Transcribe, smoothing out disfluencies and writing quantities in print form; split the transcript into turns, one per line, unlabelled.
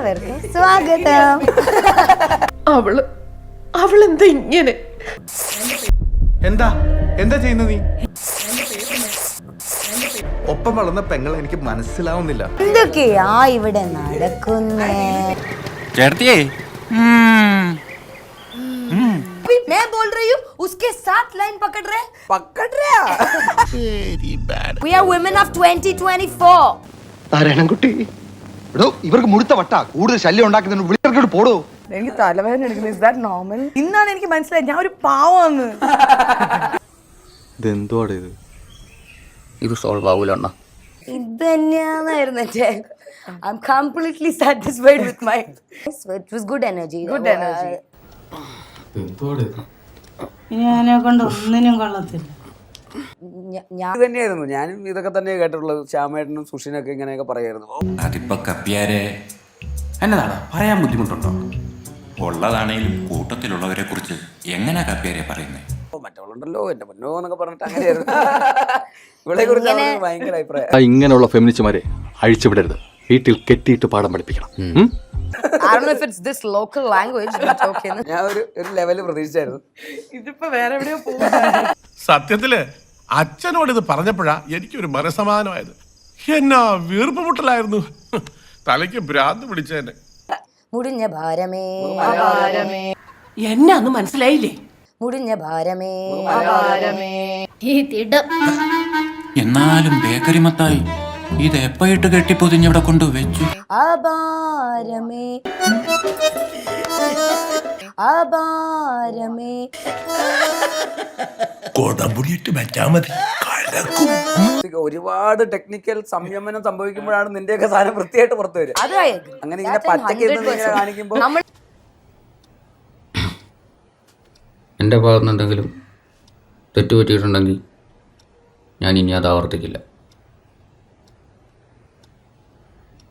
എല്ലാവർക്കും സ്വാഗതം.
അവളെന്താ ഇങ്ങനെ?
എന്താ എന്താ ചെയ്യുന്ന നീ? ഒപ്പം വളർന്ന പെങ്ങളെ എനിക്ക് മനസ്സിലാവുന്നില്ല.
എന്തൊക്കെയാ ഇവിടെ നടക്കുന്നേ?
ചേട്ടത്തിയേ
मैं बोल रही हूँ उसके साथ लाइन पकड़ रहे We are women of 2024.
Narayanankutty ഇവർക്ക് മുഴുത്ത വട്ട കൂടുതൽ ശല്യം ഉണ്ടാക്കുന്നതിന് വിളിക്കോട്ട് പോടോ.
എനിക്ക് തലവേദന എടുക്കുന്നത്. Is that normal? ഇന്നാണ് എനിക്ക് മനസ്സിലായത് ഞാൻ ഒരു പാവമാണ്.
ഇതെന്തോടെ
ഇത് സോൾവ് ആവൂലണ്ണ.
ഇത് തന്നെയായിരുന്നു എന്റെ. I'm completely satisfied with my. It was good energy.
Good energy.
ഞാനെ കൊണ്ട് ഒന്നിനും കൊള്ളത്തില്ല.
ഇത് തന്നെയായിരുന്നു ഞാനും ഇതൊക്കെ തന്നെ കേട്ടിട്ടുള്ളത്. ശ്യാമേട്ടനും സുഷിനൊക്കെ ഇങ്ങനെയൊക്കെ പറയായിരുന്നു.
അതിപ്പോ കപ്പ്യാരെ എന്നതാണ് പറയാൻ ബുദ്ധിമുട്ടുണ്ടോ? ഉള്ളതാണേലും കൂട്ടത്തിലുള്ളവരെ കുറിച്ച് എങ്ങനെ കപ്പ്യാരെ പറയുന്നേ?
മറ്റവളുണ്ടല്ലോ എന്റെ പൊന്നോ എന്നൊക്കെ പറഞ്ഞിട്ട് അങ്ങനെയായിരുന്നു. ഇവളെ കുറിച്ച് ഭയങ്കര അഭിപ്രായം.
ഇങ്ങനെയുള്ള ഫെമിനിസ്റ്റുമാരെ അഴിച്ചുവിടരുത്. വീട്ടിൽ കെട്ടിയിട്ട് പാഠം പഠിപ്പിക്കണം.
I don't know if it's this local language, but okay.
ഞാൻ ഒരു ലെവല് പ്രതീക്ഷിച്ചായിരുന്നു.
ഇതിപ്പോ വേറെ എവിടെയോ പോകും.
സത്യത്തില് അച്ഛനോട് ഇത് പറഞ്ഞപ്പോഴാ എനിക്കൊരു മനസമാധാനമായത്. എന്നാ വീർപ്പുമുട്ടലായിരുന്നു. തലയ്ക്ക് ഭ്രാന്ത് പിടിച്ചേനെ.
മുടിഞ്ഞ ഭാരമേ
എന്നെ അന്ന് മനസ്സിലായില്ലേ?
മുടിഞ്ഞ ഭാരമേ
എന്നാലും ബേക്കറി മത്തായി ഇത് എപ്പോയിട്ട് കെട്ടിപ്പൊതിഞ്ഞവിടെ കൊണ്ടുവച്ചു.
അപാരമേ അപാരമേ
ഒരുപാട് ടെക്നിക്കൽ സംയമനം സംഭവിക്കുമ്പോഴാണ് നിന്റെയൊക്കെ സാധനം വൃത്തിയായിട്ട് പുറത്തു വരിക. അങ്ങനെ ഇങ്ങനെ പച്ചക്ക് കാണിക്കുമ്പോൾ
എൻ്റെ ഭാഗത്തുനിന്ന് എന്തെങ്കിലും തെറ്റുപറ്റിയിട്ടുണ്ടെങ്കിൽ ഞാൻ ഇനി അത് ആവർത്തിക്കില്ല.